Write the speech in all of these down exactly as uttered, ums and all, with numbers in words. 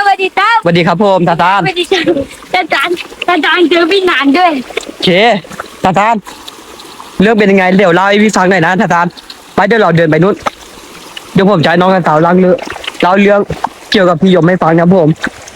วัสดีครับสวัสดีครับผมตาตาลสวัสดีจ้าตาตานตาตานเจอพี่นานด้วยโอเคตาตาลเรื่องเป็นยังไงเดี๋ยวเล่าให้พี่ฟังหน่อยนะตาตาลไปเดี๋ยวเราเดินไปนู้นเดี๋ยวผมจะให้น้องกันสาวเล่าเรื่องเล่าเรื่องเกี่ยวกับพี่ยมให้ฟังนะผม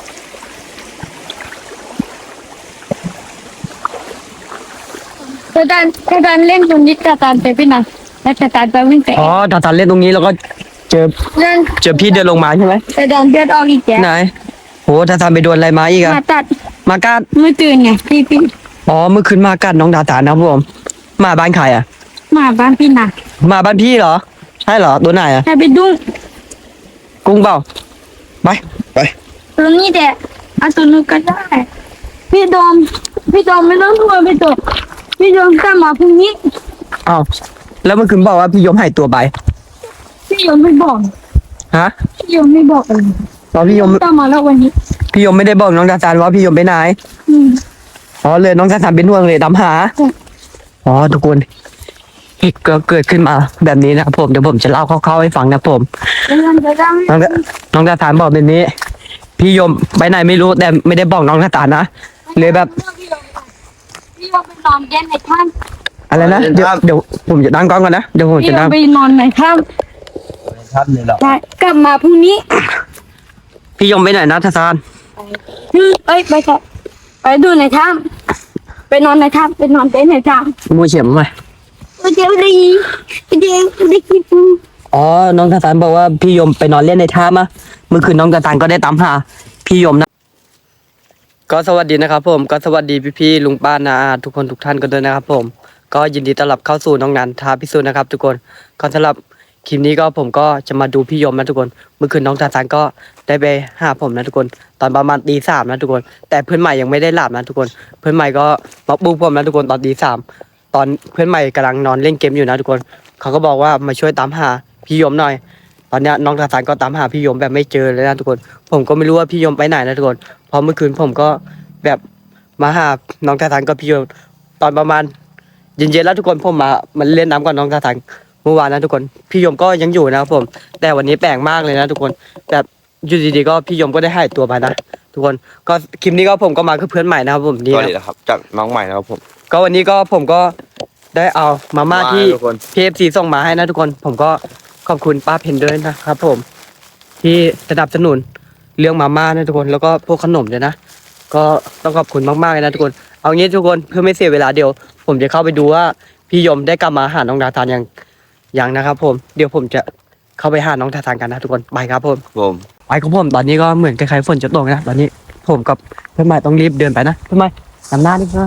ตาตานตาตานเล่นตรงนี้ตาตานเจอพี่นานแล้วตาตานไปวิ่งไปอ๋อตาตาลเล่นตรงนี้แล้วก็เจอเดินเจอพี่เดินลงมาใช่ไหมตาตานเดินออกอีกแกไหนโหตาตาลไปโดนอะไรมาอีกอะมาตัดมากัดมือตื่นไงพี่พี่อ๋อเมื่อคืนมากัดน้องตาตาลนะผมมาบ้านใครอะมาบ้านพี่นานมาบ้านพี่เหรอใช่เหรอตัวไหนอะให้ไปดุ้งกุ้งเปล่าไปไปตรงนี้แหละเอาตัวนู้นก็ได้พี่โดมพี่โดมไม่ต้องกลัวพี่โดมพี่โดมกลับมาพรุ่งนี้อ้าวแล้วเมื่อคืนบอกว่าพี่ยมหายตัวไปพี่โยมไม่บอกฮะพี่โยมไม่บอกเลยตอนพี่ยมกลับมาแล้ววันนี้พี่ยมไม่ได้บอกน้องตาตาลว่าพี่ยมไปไหนอืมอ๋อเลยน้องตาตาลเป็นห่วงเลยตามหาอ๋อทุกคนเหตุก็เกิดขึ้นมาแบบนี้นะครับผมเดี๋ยวผมจะเล่าคร่าวๆให้ฟังนะผมน้องตาน้องตาตาลบอกแบบนี้พี่ยมไปไหนไม่รู้แต่ไม่ได้บอกน้องตาตาลนะเลยแบบพี่โยมไปนอนเย็นในถ้ำอะไรนะเดี๋ยวเดี๋ยวผมจะนั่งกล้องก่อนนะเดี๋ยวผมพี่จะโยนั่งมไปนอนในถ้ในถ้ำเลยหรอำใช่กลับมาพรุ่งนี้พี่ยมไปไหนนะตาตาลเอ้ยไปเถอะไปดูในถ้ำไปนอนในถ้ำไปนอนเต็นท์ในถ้ำมูเฉียมไหมเดี๋ยวดีเดี๋ยวได้กินอ๋อน้องตาตาลบอกว่าพี่ยมไปนอนเล่นในถ้ำอะเมื่อคืนน้องตาตาลก็ได้ตามหาพี่ยมนะก็สวัสดีนะครับผมก็สวัสดีพี่ๆลุงป้านาอาทุกคนทุกท่านกันด้วยนะครับผมก็ยินดีต้อนรับเข้าสู่น้องนันท้าพิสูจน์นะครับทุกคนก็สำหรับคลิปนี้ก็ผมก็จะมาดูพี่ยมนะทุกคนเมื่อคืนน้องตาตาลก็ได้ไปหาผมนะทุกคนตอนประมาณตีสามนะทุกคนแต่เพื่อนใหม่ยังไม่ได้หลับนะทุกคนเพื่อนใหม่ก็มาบุกผมนะทุกคนตอนตีสามตอนเพื่อนใหม่กำลังนอนเล่นเกมอยู่นะทุกคนเขาก็บอกว่ามาช่วยตามหาพี่ยมหน่อยตอนนี้น้องตาตาลก็ตามหาพี่ยมแบบไม่เจอเลยนะทุกคนผมก็ไม่รู้ว่าพี่ยมไปไหนนะทุกคนเพราะเมื่อคืนผมก็แบบมาหาน้องตาตาลกับพี่ยมตอนประมาณเย็นๆแล้วทุกคนผมมามันเล่นน้ำกับน้องตาตาลเมื่อวานนะทุกคนพี่ยมก็ยังอยู่นะครับผมแต่วันนี้แปลกมากเลยนะทุกคนแบบอยู่ดีๆก็พี่ยมก็ได้หายตัวไปนะทุกคนก็คลิปนี้ก็ผมก็มากับเพื่อนใหม่นะครับผมนี่นะครับจากน้องใหม่นะครับผมก็วันนี้ก็ผมก็ได้เอามาม่าที่พีเอฟซีส่งมาให้นะทุกคนผมก็ขอบคุณป้าเพนด้วยนะครับผมที่สนับสนุนเรื่องมาม่านะทุกคนแล้วก็พวกขนมด้วยนะก็ต้องขอบคุณมากๆเลยนะทุกคนเอางี้ทุกคนเพื่อไม่เสียเวลาเดียวผมจะเข้าไปดูว่าพี่ยมได้กลับมาหาน้องดาทานยังยังนะครับผมเดี๋ยวผมจะเข้าไปหาน้องดาทานกันนะทุกคนไปครับผมผมไปของผมตอนนี้ก็เหมือนคล้ายๆฝนจะตกนะตอนนี้ผมกับเพื่อนใหม่ต้องรีบเดินไปนะเพื่อนใหม่นำหน้านิดนึง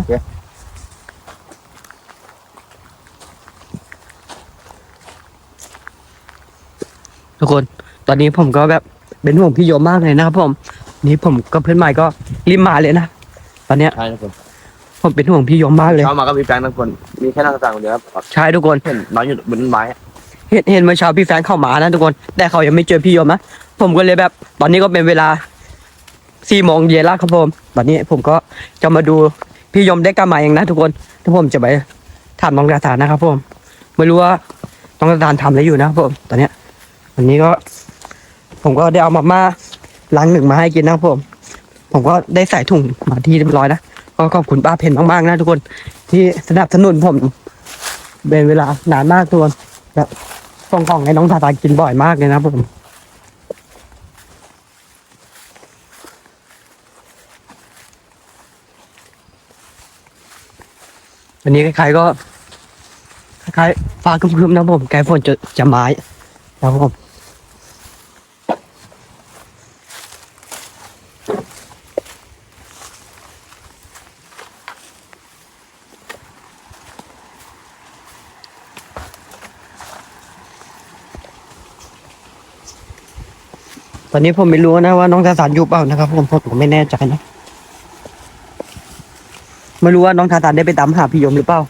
ทุกคนตอนนี้ผมก็แบบเป็นห่วงพี่โยมมากเลยนะครับผมนี่ผมกับเพื่อนใหม่ก็รีบมาเลยนะตอนเนี้ยใช่ครับผมผมเป็นห่วงพี่โยมมากเลยเข้ามาก็มีแฟนทุกคนมีแค่นักต่างคนเดียวครับใช่ทุกคนเห็นนอนอยู่บนต้นไม้เห็นเห็นเมื่อเช้าพี่แฟนเข้ามานะทุกคนแต่เขายังไม่เจอพี่โยมนะผมก็เลยแบบตอนนี้ก็เป็นเวลาสี่โมงเย็นแล้วครับผมตอนนี้ผมก็จะมาดูพี่โยมได้กลับมาเองนะทุกคนถ้าผมจะไปถามน้องกระถานนะครับผมไม่รู้ว่าน้องกระถานทำอะไรอยู่นะครับผมตอนเนี้ยวันนี้ก็ผมก็ได้เอามาม่าลังหนึ่งมาให้กินนะครับผมผมก็ได้ใส่ถุงมาที่เรียบร้อยนะก็ขอบคุณป้าเพนมากๆนะทุกคนที่สนับสนุนผมเป็นเวลานานมากทุกคนแบบส่งของให้น้องตาตากินบ่อยมากเลยนะผมวันนี้ใครๆก็คล้ายๆฟ้าครึ้มๆนะผมใกล้ฝนจะจะไม้แล้วผมตอนนี้ผมไม่รู้นะว่าน้องตาตานอยู่เปล่านะครับผมผมก็ไม่แน่ใจนะไม่รู้ว่าน้องตาตานได้ไปตามหาพี่ยมหรือเปล่า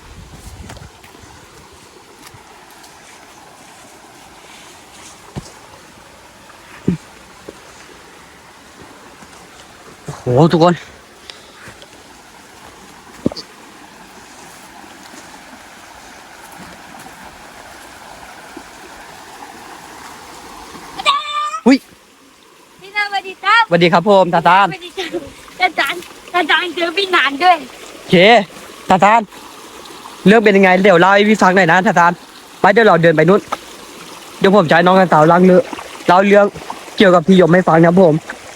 โอ้โหทุกคนอุ้ยพี่นสวัสดีครับสวัสดีครับผมทาซานสวัสดีครับตาจานตาจานเจอพี่นานด้วยโอเคทาซานเรื่องเป็นยังไงเดี๋ยวเล่าให้พี่ฟังหน่อยนะทาซานไปเดี๋ยวเราเดินไปนู้นเดี๋ยวผมจะให้น้องสาวเล่าเรื่องเล่าเรื่องเกี่ยวกับพี่ยมให้ฟังนะครับผม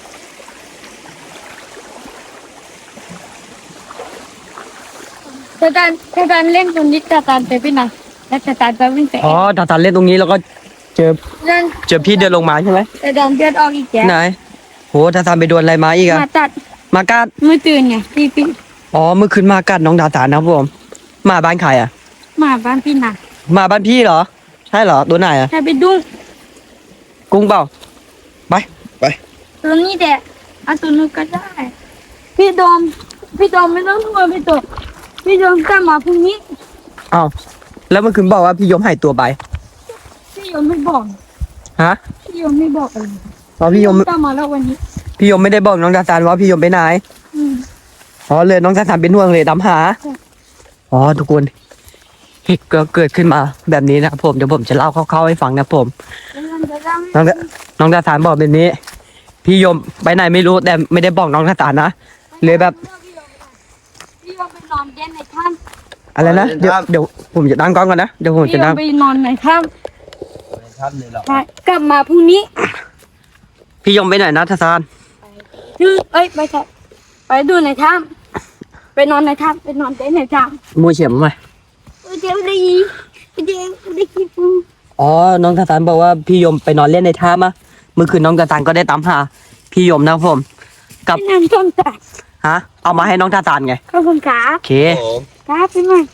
ตาจานตาจานเล่นตรงนี้ตาจานเจอพี่นานแล้วตาจานจะวิ่งไปอ๋อทาซานเล่นตรงนี้แล้วก็เจอเล่นเจอพี่เดินลงมาใช่ไหมตาจานเลือดออกอีกแกไหนโหทาซานไปโดนอะไรมาอีกอะมาตัดมากัดมือตื่นไงพี่พี่อ๋อเมื่อคืนมากัดน้องทาซานนะครับผมมาบ้านใครอะมาบ้านพี่นานมาบ้านพี่เหรอใช่เหรอตัวไหนอะใช่ไปดุ้งกุ้งเปล่าไปไปตัวนี้แหละเอาตัวนู้นก็ได้พี่โดมพี่โดมไม่ต้องกลัวพี่โดมพี่โดมกลับมาพรุ่งนี้อ้าวแล้วเมื่อคืนบอกว่าพี่ยมหายตัวไปพี่ยมไม่บอกฮะพี่ยมไม่บอกเลยเพราะพี่ยมกลับมาแล้ววันนี้พี่ยมไม่ได้บอกน้องทาซานว่าพี่ยมไปไหนอืมอ๋อเลยน้องทาซานเป็นห่วงเลยตามหาใช่อ๋อทุกคนเหตุก็เกิดขึ้นมาแบบนี้นะครับผมเดี๋ยวผมจะเล่าคร่าวๆให้ฟังนะครับผมแล้วมันจะเล่าน้องทาน้องทาซานบอกแบบนี้ พี่ยมไปไหนไม่รู้แต่ไม่ได้บอกน้องทาซานนะเลยแบบพี่ยมไปนอนเย็นในถ้ำอะไรนะเดี๋ยวเดี๋ยวผมจะตั้งกล้องก่อนนะเดี๋ยวผมพี่จะยตั้มงไปนอนในถ้ครับเลยหรอำใช่กลับมาพรุ่งนี้พี่ยมไปไหนนะทาซานคือเอ้ยไม่ใช่ไปดูในถ้ำไปนอนในถ้ำไปนอนเต็นท์ในถ้มูเฉียมไหมำเดี๋ยวได้ยินเดี๋ยวได้ยินปูอ๋อน้องทาซานบอกว่าพี่ยมไปนอนเล่นในท่ามะเมื่อคืนน้องทาซานก็ได้ตามหาพี่ยมนะครับผม กับพี่นันต้นจัดฮะเอามาให้น้องทาซานไงขอบคุณครับโอเคผมครับพี่ใหม่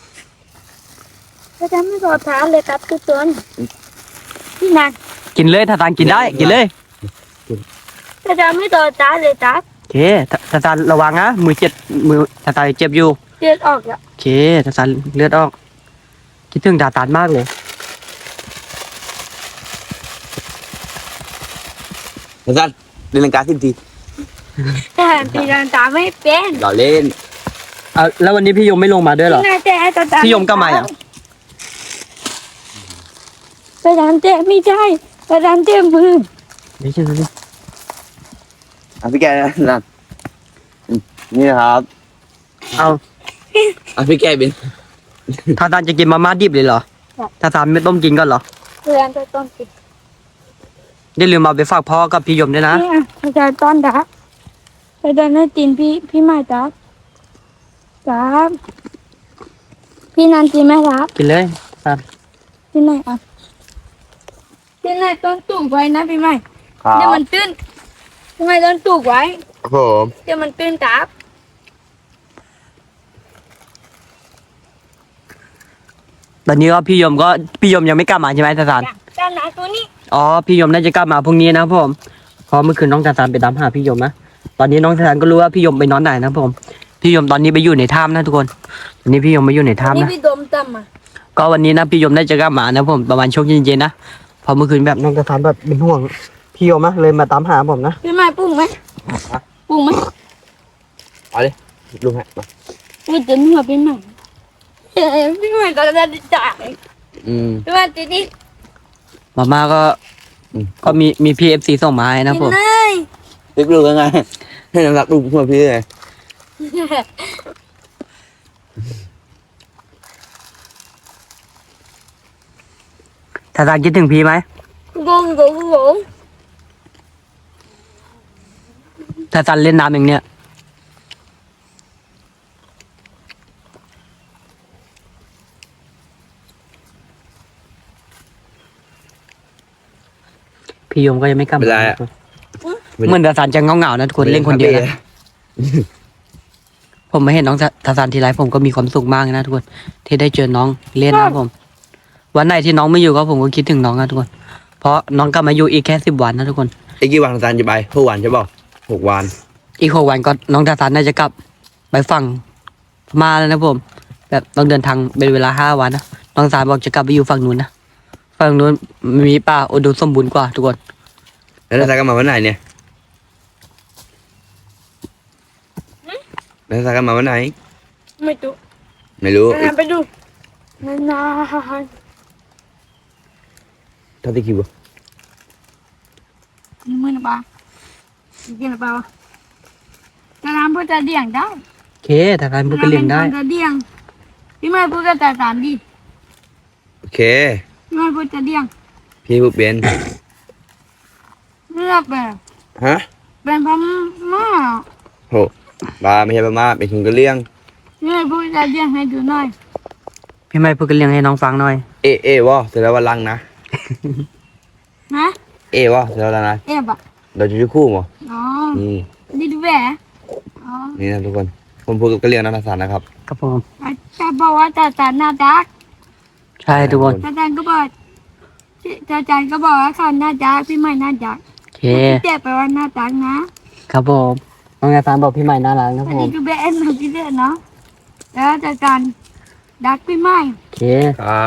จะทำไม่รอท้าเลยครับทุกคนพี่นันกินเลยทาซานกินได้กินเลยจะทำไม่รอท้าเลยครับโอเคทาทาซานระวังนะมือเจ็บมือทาซานเจ็บอยู่เลือดออกอ่ะโอเคทาซานเลือดออกคิดถึงทาซานมากเลยอาจารย์เล่นลังกาสิบทีแต่พี่นันตาไม่เป็นเราเล่นเอาแล้ววันนี้พี่ยมไม่ลงมาด้วยเหรอพี่นันเตะจะตาพี่ยมก็มาอ่ะจะดันเตะไม่ใช่จะดันเตะมือไม่ใช่สิอ่ะพี่แกนั่นอืมนี่นะครับเอาอ่ะพี่แกเป็นทาซานจะกินมาม่าดิบเลยเหรอทาซานไม่ต้มกินก่อนเหรอเพื่อนจะต้นกินอย่าลืมเอาไปฝากพ่อกับพี่ยมด้วยนะนี่อ่ะจะดันต้นดักจะดันให้ตีนพี่พี่ใหม่ดักครับพี่นันจีไหมครับกินเลยทาซานพี่ไหนอ่ะพี่ไหนต้นตูกไว้นะพี่ใหม่ครับเดี๋ยวมันตื้นพี่ใหม่ต้นตูกไว้ครับผมเดี๋ยวมันตื้นครับตอนนี้ก็พี่ยมก็พี่ยมยังไม่กลับมาใช่ไหมทาซานด้านหน้าตัวนี้อ๋อพี่ยมน่าจะกลับมาพรุ่งนี้นะครับผมเพราะเมื่อคืนน้องทาซานไปตามหาพี่ยมนะตอนนี้น้องทาซานก็รู้ว่าพี่ยมไปนอนไหนนะครับผมพี่ยมตอนนี้ไปอยู่ในถ้ำนะทุกคนตอนนี้พี่ยมไปอยู่ในนี่ถ้ำนะพี่ดมจำอ่ะก็วันนี้นะพี่ยมน่าจะกลับมานะผมประมาณช่วงเย็นๆนะเพอเมื่อคืนแบบน้องทาซานแบบเป็นห่วงพี่ยมนะเลยมาตามหาผมนะพี่ใหม่ปรุงไหมปรุงไหมเอาเลยลุงฮะมาพูดจนหัวพี่ใหม่เอ้ยพี่ใหม่ก็จะจ่ายอืมพี่ใหม่ตีนี่มาม่าก็อืมก็มีมีพีเอฟซีส่งมาให้นะกิผนมเลยเล็กลูกยังไงให้น้ำหนักลูกหัวพี่เลยทาซานคิดถึงพี่ไหมงงงงงทาซานเล่นน้ำอย่างเนี้ยพี่ยมก็ยังไม่กลับเวมาลานะครับเหมือนทาซานจะเงาๆนะทุกคนเล่นคนเดียวนะ ผมมาเห็นน้องทาซานทีไรผมก็มีความสุขมากนะทุกคนที่ได้เจอน้องเล่นนะครับผม วันไหนที่น้องไม่อยู่ก็ผมก็คิดถึงน้องนะทุกคน เพราะน้องกลับมาอยู่อีกแค่สิบวันนะทุกคนไอ้กี่วันอาจารย์จะไปหกวันใช่ป่ะหกวันอีกหกวันก็น้องทาซานน่าจะกลับไปฝั่งพม่าแล้วนะผม แบบต้องเดินทางเป็นเวลาห้าวันนะน้องทาซานบอกจะกลับไปอยู่ฝั่งนู้นนะฝั่งนู้นมีป่าอุดมสมบูรณ์กว่าทุกคนแล้วอาจารย์ก็มาวันไหนเนี่ยแล้วอาจารย์ก็มาวันไหนไม่ดูไม่รู้ไปดูนานเท่าที่คิดว่าๆมือนะบ้ากินหรือเปล่าจะทำพูดจะเดี่ยงได้โอเคทางการพูดกะเหรี่ยงได้จะเดี่ยงพี่ไม่พูดก็แต่สามดีโอเคพี่ไม่พูดจะเดี่ยงพี่พูดเป็นเลือกแบบฮะเป็นพม่าโหบาไม่ใช่พม่าเป็นคนกะเหรี่ยงพี่ไม่พูดจะเดี่ยงให้ดูหน่อยพี่ไม่พูดกะเหรี่ยงให้น้องฟังหน่อยเอเอวะเสร็จแล้ววันลังนะนะเอวะเสร็จแล้วนะเอ๊ะบะเราจะคู่มั้งอ๋อนี่นี่ดูแหวะอ๋อนี่นะทุกคนผมพูดกับกะเหรี่ยงนักศึกษานะครับครับผมจะบอกว่าจ่าจันน่ารักใช่ทุกคนจ่าจันก็บอกจ่าจันก็บอกว่าเขาน่ารักพี่ใหม่น่ารักโอเคเจ็บไปว่าน่ารักนะครับผมน้องนาซานบอกพี่ใหม่น่ารักนะอันผนี้มดูแหวะมาพี่เด็เนาะแล้วจ่าจันรักพี่ใหม่โอเคครับ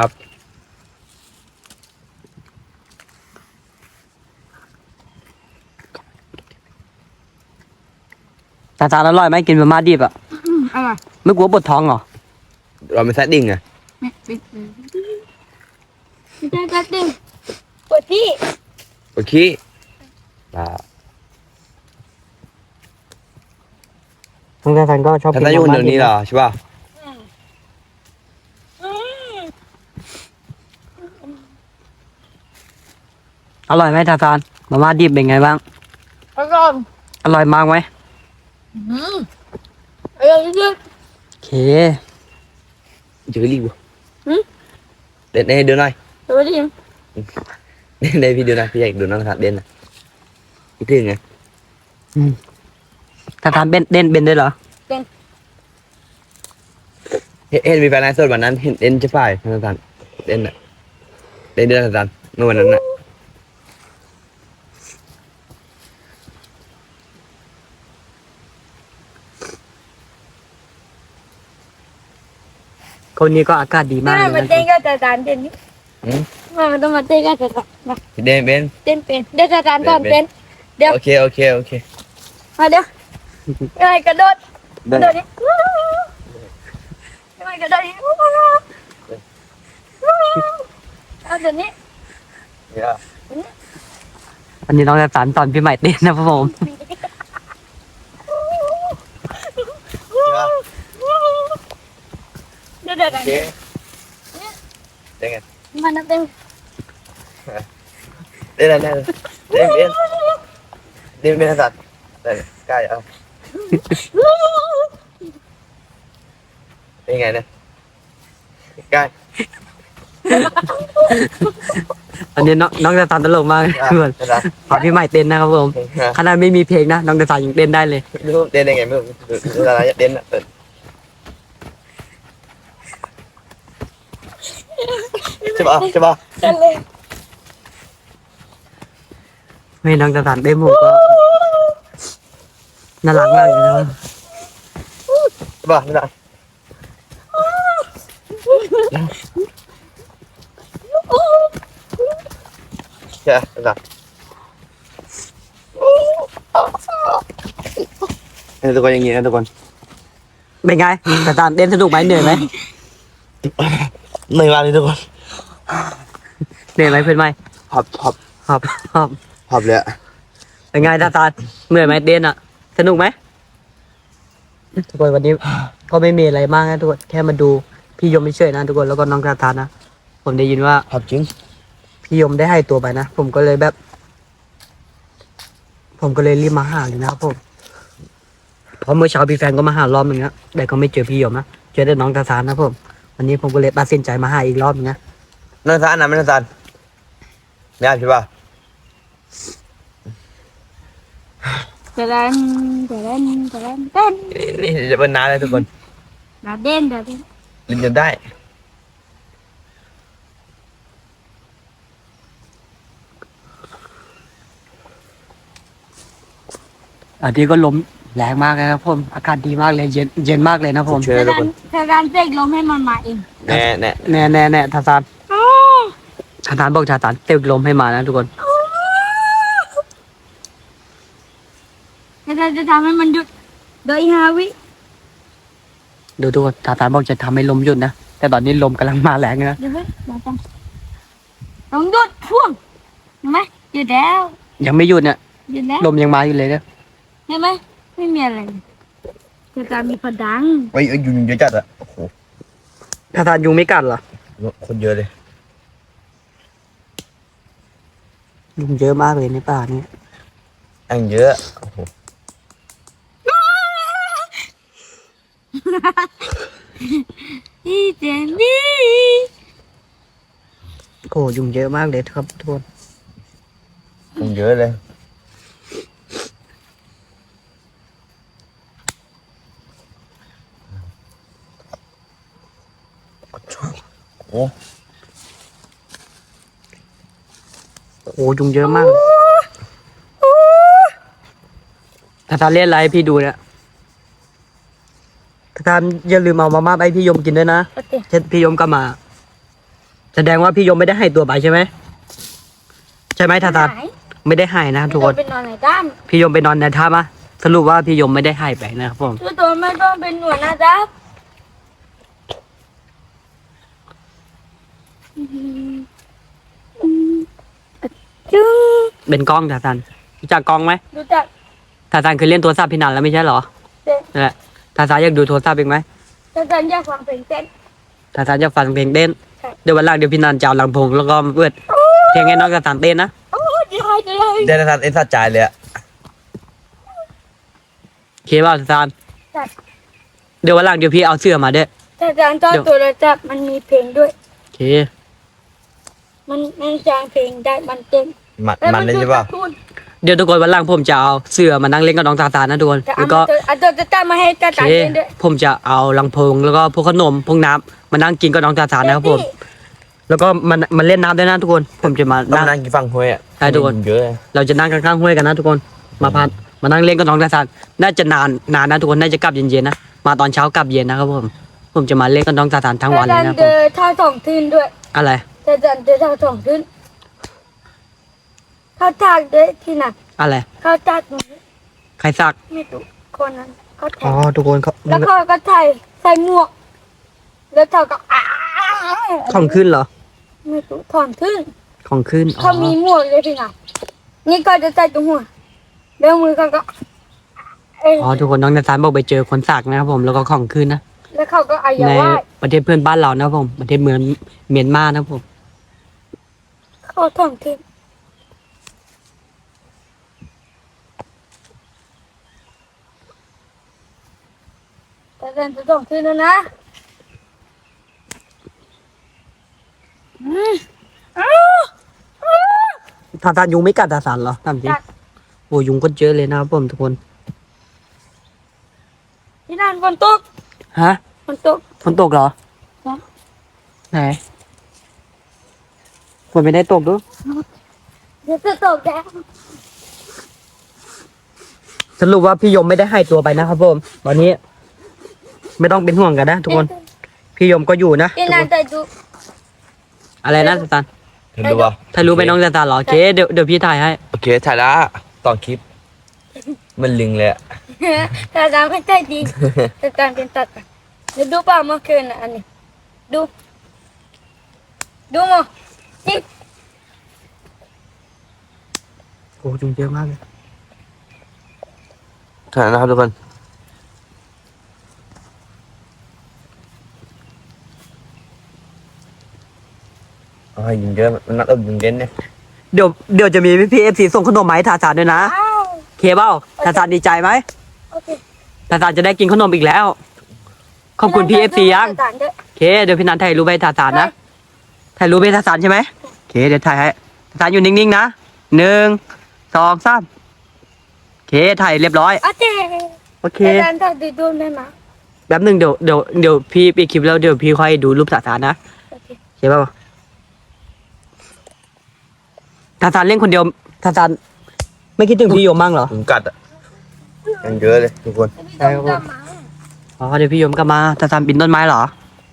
ตาซานอร่อยไหมกินมาม่าดิบอ่ะอืมอร่อยไม่กลัวปวดท้องเหรอเราไม่แซดดิ้งไงไม่ปิดเลยไม่ใช่จัดดิปวดที่โอเคบาน้องนาซานก็ชอบถ้ากินตาอยู่มาคนม่าเดียวดินี้บเหรอใช่ป่ะอร่อยไหมตาซานมาม่าดิบเป็นไงบ้างอร่อยอร่อยมากไหมอืมอร่อยที่สุดโอเคจะไปรีบวะหืมเด่นให้ดูหน่อยสวัสดีเด่นให้พี่ดูหน่อยพี่อยากดูนักศึกษาเด่นนะคิดถึงไงตาซานเบนเด่นเบนด้วยเหรอเห็นเห็นมีแฟนไลฟ์สดวันนั้นเห็นเด่นจะฝ่ายนักศึกษาเด่นอะเด่นเดือนนักศึกษาเมื่อวันนั้นน่ะคนนี้ก็อากาศดีมากมาเลยมานะเต้นก็จะจานเต้นนี่อืมมาต้องมาเต้นก็จะจานมาเด่นเป็นเต้นเป็นเดี๋ยวจะจานตอนเป็นเดี๋ยวโอเคโอเคโอเคมาเดี๋ยวยังไงกระโดดกได้ระโดดนี่ยังไงกระโดดนี่เอาเดี๋ยวนี้เนี่ยอันนี้น้องนาซานสอนพี่ใหม่เต้นนะครับผมเดี๋ยวเดี๋ยวโอเคเด่นไงมานับเต้นเด่นเด่นเด่นเด่นเด่นเด่นเป็นนักศึกษาเด่นใกล้เอาเป็นไงเนี่ยใกล้อันนี้น้องน้องนาซานตลกมากทุกคนนักศึกษาขอพี่ใหม่เต้นนะครับผมขนาดไม่มีเพลงนะน้องนาซานยังเต้นได้เลยไม่รู้เด่นได้ไงไม่รู้เวลาเด่นอะเปิดใช่ป่ะใช่ป่ะกันเลยไม่น้องนาซานเต้นหมูก็น่ารักมากเลยนะใช่ป่ะไม่ได้ใช่ไม่ได้ทุกคนอย่างงี้นะทุกคนเป็นไงนาซานเต้นสนุกไหมเหนื่อยไหมเหนื่อยมากเลยทุกคนเหนื่อยไหมเพื่อนไหมหอบหอบหอบหอบหอบเลยอะเป็นไงนาซานเหนื่อยไหมเต้นอ่ะ สนุกไหมทุกคนวันนี้ก็ไม่มีอะไรมากนะทุกคนแค่มาดูพี่ยมเฉยๆนะทุกคนแล้วก็น้องนาซานนะผมได้ยินว่าหอบจริงพี่ยมได้ให้ตัวไปนะผมก็เลยแบบ ผมก็เลยรีบมาหาเลยนะครับผมเพราะเมื่อเช้าพี่แฟนก็มาหารอบหนึ่งนะแต่ก็ไม่เจอพี่ยมนะเจอแต่น้องนาซานนะผมวันนี้ผมก็เลยตัดสินใจมาหาอีกรอบหนึงนะนักสารนะไม่นักสารไม่ใช่ป่ะจะเล่นจะเล่นจะเล่นเต้นนี่จะเป็นน้าเลยทุกคนมาเต้นเดี๋ยวเต้นลินจนได้อันนี้ก็ลมแรงมากเลยครับผมอากาศดีมากเลยเย็นเย็นมากเลยนะผมเชิญจะทุกกาครนจะการเต้นลมให้มันมาเองแน่แน่แน่แน่แน่ทาซานทาซานบอกทาซานเติมลมให้มานะทุกคนจะจะทำให้มันหยุดโดยฮาวิดูทุกคนทาซานบอกจะทำให้ลมหยุดนะแต่ตอนนี้ลมกำลังมาแรงนะเดี๋ยวเว้ยเดี๋ยวต้องต้องหยุดช่วงเห็นไหมหยุดแล้วยังไม่หยุดเนี่ยหยุดแล้วลมยังมาอยู่เลยนะเห็นไหมไม่มีอะไรแต่การมีพดังเฮ้ยเอ้ยยุงเยอะจัดอะโอ้โหทาซานยุงไม่กัดเหรอคนเยอะเลยยุงเยอะมากเลยในป่านี้อังเยอะโอ้โหอีเจนนี่โอ้ยุงเยอะมากเลยครับทุกคนอังเยอะเลยโอ้โอ้ยุงเยอะมากทาซานเล่นอะไรให้พี่ดูเนี่ยทาซานอย่าลืมเอามาม่าไปให้พี่ยมกินด้วยนะโอเคเช่นพี่ยมก็มา แสดงว่าพี่ยมไม่ได้ให้ตัวไปใช่ไหมใช่ไหมทาซานหายไม่ได้ให้นะครับทุกคนไม่ต้องเป็นนอนไหนด้ามพี่ยมไปนอนในถ้ำอะสรุปว่าพี่ยมไม่ได้ให้ไปนะครับผมตัวตัวไม่ต้องเป็นหนวดนะด้ามจึ้งเป็นกล้องทาซานรู้จักกล้องไหมรู้จักทาซานเคยเล่นโทรศัพท์พี่นันแล้วไม่ใช่เหรอเด็กนั่นแหละทาซานอยากดูโทรศัพท์อีกไหมแต่ฉันอยากฟังเพลงเต้นทาซานอยากฟังเพลงเต้นใช่เดี๋ยววันหลังเดี๋ยวพี่นันจะเอาลำโพงแล้วก็เปิดเพลงให้น้องทาซานเต้นนะโอ้ยได้เลยเดนทันเอ็นสัตว์ใจเลยอะโอเคป่ะทาซานแต่เดี๋ยววันหลังเดี๋ยวพี่เอาเสื้อมาด้วยแต่ฉันชอบตัวระจับมันมีเพลงด้วยโอเคมันมันจางเพลงได้มันเต้นมันแล้วมันเลยใช่ป่ะคือการ์ตูนเดี๋ยวทุกคนวันหลังผมจะเอาเสื้อมานั่งเล่นกับน้องทาซานนะทุกคนแต่แล้วเอาก็มาเอาตัวจะจับมาให้ตาโอตาเคเล่นด้วยผมจะเอาลำโพงแล้วก็พวกขนมพวกน้ำมานั่งกินกับน้องทาซานนะครับผม แล้วก็มันมันเล่นน้ำด้วยนะทุกคน ผมจะมาต้องนั่งนั่งกินฟังห้วยอะใช่ทุกคนยุงเยอะเลยเราจะนั่งข้างๆห้วยกันนะทุกคน มาพัดมานั่งเล่นกับน้องทาซานน่าจะนานนานนะทุกคน น่าจะกลับเย็นๆนะ มาตอนเช้ากลับเย็นนะครับผม ผมจะมาเล่นกับน้องทาซานทั้งวันเลยแต่ฉันะครับผเดิมนท่าสองทืนด้วยอะไรแต่ฉันเดินท่าสองทืนเขาทากด้วยที่ไหนอะไรเขาจัดตรงนี้ใครสักไม่รู้คนนั้นเขาอ๋อถ่ายทุกคนเขาแล้วเขาก็ใส่ใส่หมวก แล้วเขาก็อ้าของขึ้นเหรอไม่รู้ถอนขึ้นของขึ้น อ๋อเขามีหมวกเลยพี่นะนี่ก็จะใส่ตรงหัวแล้วมือเขาก็เอ้ยอ๋อ ทุกคนน้องทาซานบอกไปเจอคนสักนะครับผม แล้วก็ของขึ้นนะแล้วเขาก็อายาในว่าประเทศเพื่อนบ้านเรานะครับผม ประเทศเมืองเมียนมานะครับผมเขาถอนขึ้นแต่ฉันจะถอนขึ้นแล้วนะอืมอ้าวอ้าวทาซานยุงไม่กัดทาซานเหรอทำจริงกัดโอ้ยุงก็เยอะเลยนะครับผมทุกคนที่นั่นฝนตกฮะฝนตกฝนตกเหรอครับไหนฝนไม่ได้ตกด้วยเดี๋ยวจะตกแล้วสรุปว่าพี่ยมไม่ได้ให้ตัวไปนะครับผมวันนี้ ไม่ต้องเป็นห่วงกันนะทุกคน พี่ยมก็อยู่นะที่ทุกนั่คน นจะดูอะไรนะสตานเห็นดูป่ะถ้ารู้ไหมน้องสตานเหรอโอเคเดี๋ยวเดี๋ยวพี่ถ่ายให้โอเคถ่ายละต่อคลิป มันลิงเลยอะแต่ตามไม่ใช่ดีแต่ตามเป็นตัดอะเดี๋ยวดูเปล่าเมื่อคืนน่ะอันนี้ ดู ดูมั้งนี่โอ้ยุงเยอะมากเลยถ่ายนะครับทุกคนอ๋อยุงเยอะมันนัดอบยุงเด่นเนี่ยเดี๋ยวเดี๋ยวจะมีพี่เอฟซีส่งขนมมาให้ทาซานด้วยนะอ้าวเคเบ้าทาซานดีใจไหมโอเคทาซานจะได้กินขนมอีกแล้ว ขอบคุณพี่เอฟซียังต่างๆด้วยโอเคเดี๋ยวพี่นันถ่ายรูปให้ทาซานนะถ่ายรูปให้ทาซานใช่ไหมโอเคเดี๋ยวถ่ายให้ทาซานอยู่นิ่งๆนะหนึ่งสองสามโอเคถ่ายเรียบร้อยโอเคโอเคแต่ตามถ้าดูดูได้ไหมแป๊บหนึ่งเดี๋ยวเดี๋ยวเดี๋ยวพี่ปิดคลิปแล้วเดี๋ยวพี่ค่อยดูรูปทาซานนะโอเคใช่ป่าวทาซานเล่นคนเดียวทาซานไม่คิดถึงพี่โยมบ้างเหรอยุงกัดอะยังเยอะเลยทุกคนใช่ครับผม อ๋อเดี๋ยวพี่โยมกลับมาทาซานปีนต้นไม้เหรอ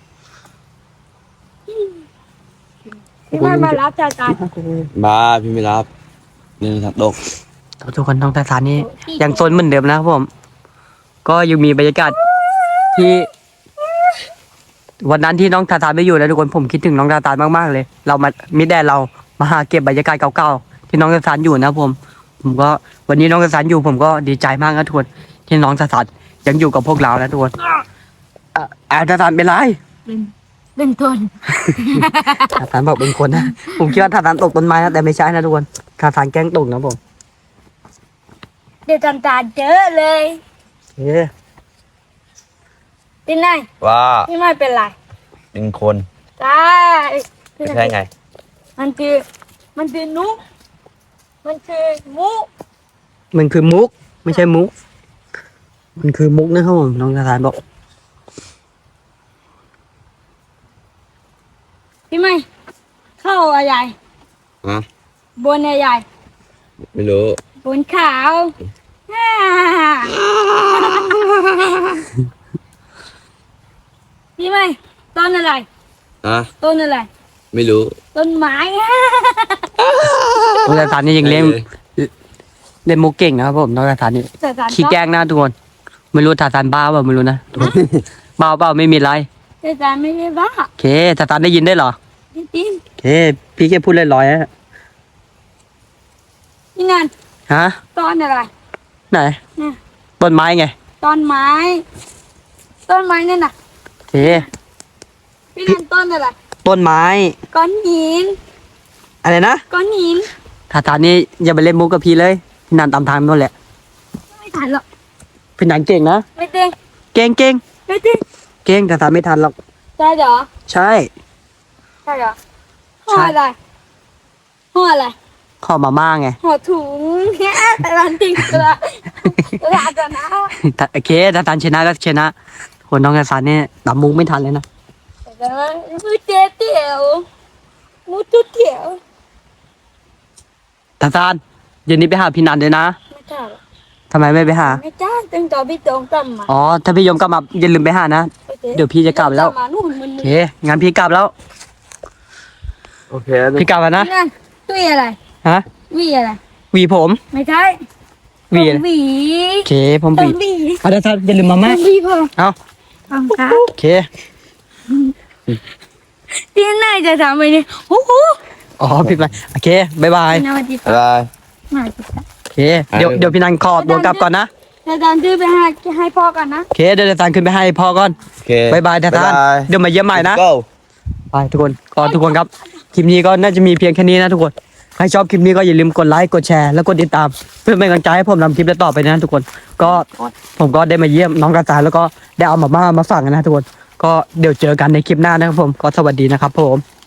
ที่บ้านมารับจ่าจ่ายมาพี่ไม่รับเรื่องถักดกทุกคนน้องทาซานนี่ยังโซนเหมือนเดิมนะครับผม ก็ยังมีบรรยากาศที่ วันนั้นที่น้องทาซานไม่อยู่แล้วทุกคนผมคิดถึงน้องทาซานมากๆเลย เรามามิดแดนเรามาหาเก็บบรรยากาศเก่าๆที่น้องทาซานอยู่นะครับผม ผผมก็วันนี้น้องสสารอยู่ผมก็ดีใจมากนะทุกคนที่น้องสสารยังอยู่กับพวกเรานะทุกคนอ่ะอ่าสสารเป็นไรเป็นเป็นคนสสารบอกเป็นคนนะผมคิดว่าสสารตกต้นไม้นะแต่ไม่ใช่นะทุกคนสสารแกล้งตกนะผมเดี๋ยวจันตาเจอเลยโอเคพี่นายว่าพี่ไม่เป็นไรเป็นคนใช่ไม่ใช่ไงมันคือมันคือนุกมันคือมุกมันคือมุก ไม่ใช่มุก มันคือมุกนะครับผมน้องสสารบอกพี่ไม่เข้าอะไรฮะบนอะไรไม่รู้บนขาวฮ่าพี่ไม่ต้นอะไรอ่ะต้นอะไรไม่รู้ต้นไม้น้องสสารนี่ยังเล่นเล่นมุกเก่งนะครับผมน้องสสารนี่แต่สารขี้แกล้งนะทุกคน ไม่รู้สสารบ้าเปล่าไม่รู้นะทุกคนบ้าเปล่าไม่มีไรแต่สารไม่ได้บ้าโอเคสสารได้ยินได้เหรอจริงโอเค พี่แค่พูดลอยๆนะๆพี่นันฮะต้นอะไรไหนเนี่ยต้นไม้ไงต้นไม้ ต้นไม้เนี่ยน่ะโอเคพี่นันต้นอะไรต้นไม้ก้อนหินอะไรนะก้อนหินสสารนี่อย่าไปเล่นมุกกับพี่เลย พี่นันตามทางนั่นแหละไม่ทันหรอกพี่นันเก่งนะไม่เต้งเก่งเก่งไม่เต้งเก่งแต่สสารไม่ทันหรอกใช่เหรอใช่ใช่เหรอห่ออะไรห่ออะไรข้อมาม่าไงห่อถุงเนี่ยร้านจริงเลยร้านจะนะแต่โอเคถ้าตันชนะก็ชนะคนน้องกระสานเนี่ยตามมุกไม่ทันเลยนะแต่ว่ามือเจ๊เตี๋ยวมือตุ๊ดเตี๋ยวตาซานเย็นนี้ไปหาพี่นันเลยนะไม่ใช่หรอกทำไมไม่ไปหาไม่ใช่ตึงต่อพี่ตรงกลับมาอ๋อ ถ้าพี่ยมกลับมาอย่าลืมไปหานะ เดี๋ยวพี่จะกลับแล้วมานู่นมันโอเค งั้นพี่กลับแล้วโอเคพี่กลับแล้วนะนั่นตุ้ยอะไรฮะวีอะไรหวีผมไม่ใช่หวีอะไรหวีโอเค ผมหต้วีองหวีเอาตาซานอย่าลืมมาม่าต้องหวีพอเอาฟังครับโอเคที่ไหนจะทำไปเนี่ยโอ้โหอ๋อพี่ไปโอเคบายบายสวัสดีคอะไรรับมาจิตตาโอเค เดี๋ยวเดี๋ยวพี่นันขอตัวกลับก่อนนะแต่ตอนซื้อไปให้ให้พ่อกันนะโอเค เดี๋ยวตาซานขึ้นไปให้พ่อก่อนโอเคบายบายตาซานบ๊ายบายเดี๋ยวมาเยี่ยมใหม่นะ Go ไปทุกคนก็ทุกคนครับ คลิปนี้ก็น่าจะมีเพียงแค่นี้นะทุกคน ใครชอบคลิปนี้ก็อย่าลืมกดไลค์ กดแชร์ แล้วกดติดตาม เพื่อเป็นกำลังใจให้ผมทำคลิปต่อไปนะทุกคน ก็ผมก็ได้มาเยี่ยมน้องกระต่ายแล้วก็ได้เอาหมาม่ามาฝากนะทุกคน ก็เดี๋ยวเจอกันในคลิปหน้านะครับผม ก็สวัสดีนะครับผม